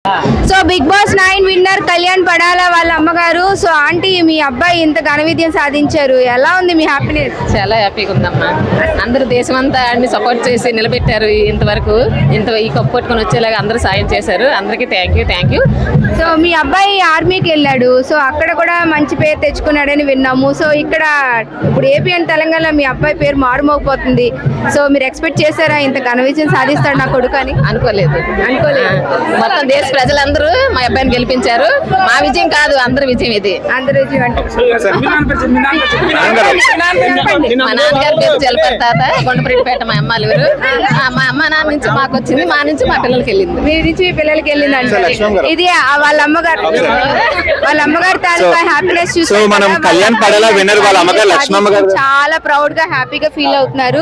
So Big Boss 9 winner Kalyan Padala వాళ్ళ అమ్మగారు. So aunty, మీ అబ్బాయి ఇంత ఘన విజయం సాధించారు, ఎలా ఉంది మీ హ్యాపీనెస్? చాలా హ్యాపీగా ఉందమ్మా. అందరూ దేశం అంతా అన్ని సపోర్ట్ చేసి నిలబెట్టారు. ఇంతవరకు ఈ కప్పు పట్టుకొని వచ్చేలాగా అందరూ సాయం చేశారు. అందరికీ థ్యాంక్ యూ. సో మీ అబ్బాయి ఆర్మీకి వెళ్ళాడు, సో అక్కడ కూడా మంచి పేరు తెచ్చుకున్నాడని విన్నాము. సో ఇక్కడ ఇప్పుడు ఏపీ అండ్ తెలంగాణ మీ అబ్బాయి పేరు మారుమోగిపోతుంది. సో మీరు ఎక్స్పెక్ట్ చేశారా ఇంత ఘన విజయం సాధిస్తాడు నా కొడుకు అని? అనుకోలేదు. మొత్తం దేశ ప్రజలందరూ మా అబ్బాయిని గెలిపించారు. మా విజయం కాదు, అందరి విజయం ఇది. అందరి విజయం అంటే మా నాన్నగారి పేరు జలపతి తాత, కొండపరెడ్డిపేట మా అమ్మాలూరు. మా అమ్మ నాన్న నుంచి మాకు వచ్చింది, మా నుంచి మా పిల్లలకి వెళ్ళింది. మీ నుంచి మీ పిల్లలకి వెళ్ళింది అంటే ఇది వాళ్ళ అమ్మగారు తాలూకా హ్యాపీనెస్ చూసి మనం కళ్యాణ్ పడాలా విన్నర్ వాళ్ళ అమ్మగారు లక్ష్మమ్మ గారు చాలా ప్రౌడ్ గా హ్యాపీగా ఫీల్ అవుతున్నారు.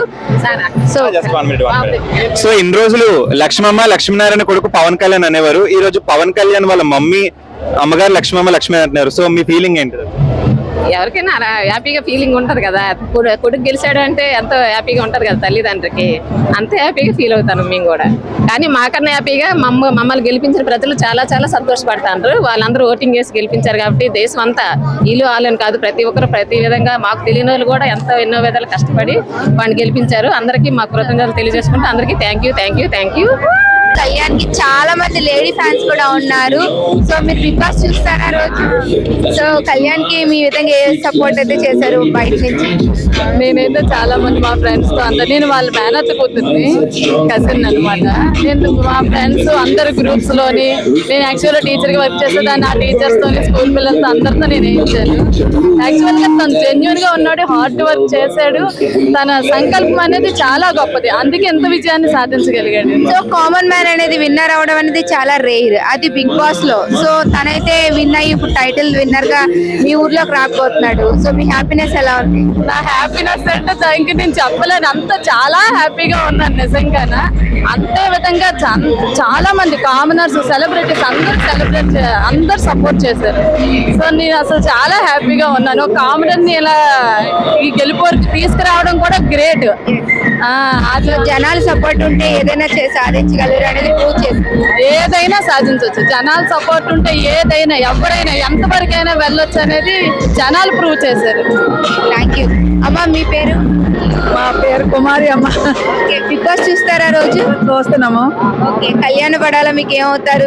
సో ఇన్ని రోజులు లక్ష్మీనారాయణ కొడుకు పవన్ కళ్యాణ్ అనేవారు. ఈ రోజు పవన్ కళ్యాణ్ వాళ్ళ మమ్మీ అమ్మగారు లక్ష్మీ అంటున్నారు. సో మీ ఫీలింగ్ ఏంటి? ఎవరికైనా అలా హ్యాపీగా ఫీలింగ్ ఉంటది కదా. కొడుకు గెలిచాడు అంటే ఎంతో హ్యాపీగా ఉంటది కదా తల్లిదండ్రికి. అంతే హ్యాపీగా ఫీల్ అవుతాను మేము కూడా. కానీ మాకన్నా హ్యాపీగా మమ్మల్ని గెలిపించిన ప్రజలు చాలా చాలా సంతోషపడతారు. వాళ్ళందరూ ఓటింగ్ చేసి గెలిపించారు కాబట్టి దేశం అంతా వీళ్ళు వాళ్ళని కాదు, ప్రతి ఒక్కరు ప్రతి విధంగా మాకు తెలియని వాళ్ళు కూడా ఎన్నో విధాలు కష్టపడి వాడిని గెలిపించారు. అందరికీ మా కృతజ్ఞతలు తెలియజేసుకుంటూ అందరికీ థ్యాంక్ యూ. కళ్యాణ్ కి చాలా మంది లేడీ ఫ్యాన్స్ కూడా ఉన్నారు. సో మీరు బిగ్ బాస్ చూస్తారా రోజు? సో కళ్యాణ్ కి మీ విధంగా ఏ సపోర్ట్ అయితే చేశారు బయట నుంచి? నేనైతే చాలా మంది మా ఫ్రెండ్స్ తో అందరు, నేను వాళ్ళ మేనత్త కూతుర్ని, కజిన్ అనమాట. నేను మా ఫ్రెండ్స్ అందరు గ్రూప్స్ లోని, నేను యాక్చువల్గా టీచర్ గా వర్క్ చేసేదాన్ని. ఆ టీచర్స్ తోని, స్కూల్ పిల్లలతో అందరితో నేను వేయించాను. యాక్చువల్ గా తను జెన్యున్ గా ఉన్నాడు, హార్డ్ వర్క్ చేశాడు. తన సంకల్పం అనేది చాలా గొప్పది, అందుకే ఎంత విజయాన్ని సాధించగలిగాడు. సో కామన్ మ్యాన్ అనేది విన్నర్ అవడం అనేది చాలా రేర్, అది బిగ్ బాస్ లో. సో తనైతే విన్ అయ్యి ఇప్పుడు టైటిల్ విన్నర్ గా మీ ఊర్లోకి రాకపోతున్నాడు. సో మీ హ్యాపీనెస్ ఎలా ఉంది? నా హ్యాపీనెస్ అంటే దానికి నేను చెప్పలేను, అంత చాలా హ్యాపీగా ఉన్నాను నిజంగానే. అంతే విధంగా చాలా మంది కామనర్స్, సెలబ్రిటీస్ అందరు సపోర్ట్ చేశారు. సో నేను అసలు చాలా హ్యాపీగా ఉన్నాను. కామనర్ ని ఇలా ఈ గెలుపుకి తీసుకురావడం కూడా గ్రేట్. జనాల సపోర్ట్ ఉంటే ఏదైనా సాధించగలరు అనేది ప్రూవ్ చేస్తారు. ఏదైనా సాధించవచ్చు, జనాల సపోర్ట్ ఉంటే ఏదైనా, ఎవరైనా ఎంతవరకైనా వెళ్ళొచ్చు అనేది జనాలు ప్రూవ్ చేశారు. థ్యాంక్ యూ అమ్మా. మీ పేరు? మా పేరు కుమారి అమ్మ. బిగ్ బాస్ చూస్తారా రోజు? చూస్తున్నాము. ఓకే, కళ్యాణ పడాలా మీకు ఏమవుతారు?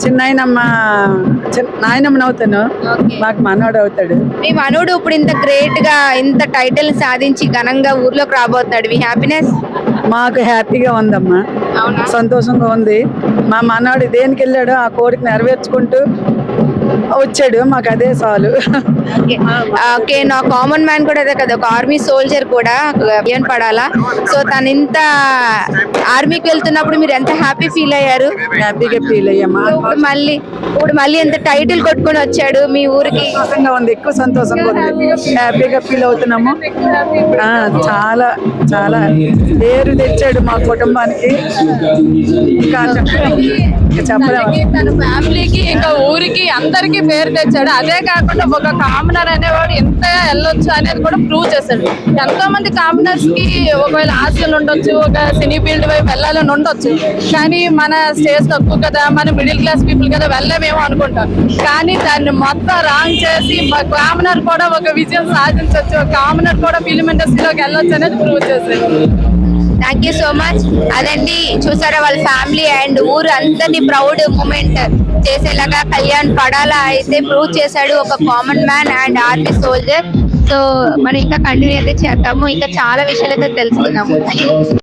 నాయనమ్మ అవుతాను, మాకు మనోడు అవుతాడు. మీ మనోడు ఇప్పుడు ఇంత గ్రేట్ గా ఇంత టైటిల్ సాధించి ఘనంగా ఊర్లోకి రాబోతున్నాడు, మీ హ్యాపీనెస్? మాకు హ్యాపీగా ఉందమ్మా, సంతోషంగా ఉంది. మా మనోడు దేనికి వెళ్ళాడో ఆ కోరిక నెరవేర్చుకుంటూ వచ్చాడు, మాకు అదే చాలు. ఓకే, నా కామన్ మ్యాన్ కూడా అదే కదా, ఒక ఆర్మీ సోల్జర్ కూడా కళ్యాణ్ పడాలా. సో తను ఇంత ఆర్మీకి వెళ్తున్నప్పుడు మీరు ఎంత హ్యాపీ ఫీల్ అయ్యారు? హ్యాపీగా ఫీల్ అయ్యామా. ఇప్పుడు మళ్ళీ ఎంత టైటిల్ కొట్టుకొని వచ్చాడు మీ ఊరికి? ఉంది, ఎక్కువ సంతోషంగా ఉంది, హ్యాపీగా ఫీల్ అవుతున్నాము. చాలా చాలా పేరు తెచ్చాడు మా కుటుంబానికి, తన ఫ్యామిలీకి ఇంకా ఊరికి అందరికి పేరు తెచ్చాడు. అదే కాకుండా ఒక కామనర్ అనేవాడు ఎంత వెళ్ళొచ్చు అనేది కూడా ప్రూవ్ చేశాడు. ఎంతో మంది కామనర్స్ కి ఒకవేళ ఆశలు ఉండొచ్చు, ఒక సినీ ఫీల్డ్ వైపు వెళ్ళాలని ఉండొచ్చు, కానీ మన స్టేజ్ తక్కువ కదా, మన మిడిల్ క్లాస్ పీపుల్ కదా, వెళ్ళలేమేమో అనుకుంటాం. కానీ దాన్ని మొత్తం రాంగ్ చేసి కామనర్ కూడా ఒక విజయం సాధించవచ్చు, కామనర్ కూడా ఫిల్మ్ ఇండస్ట్రీలోకి వెళ్ళొచ్చు అనేది ప్రూవ్ చేశాడు. Thank you so much. అదండి, చూసారా వాళ్ళ ఫ్యామిలీ అండ్ ఊరు అందరినీ ప్రౌడ్ మూమెంట్ చేసేలాగా కళ్యాణ్ పడాలా అయితే ప్రూవ్ చేశాడు, ఒక common man and army soldier. So మనం ఇంకా కంటిన్యూ అయితే చేద్దాము, ఇంకా చాలా విషయాలు అయితే తెలుసుకుందాము.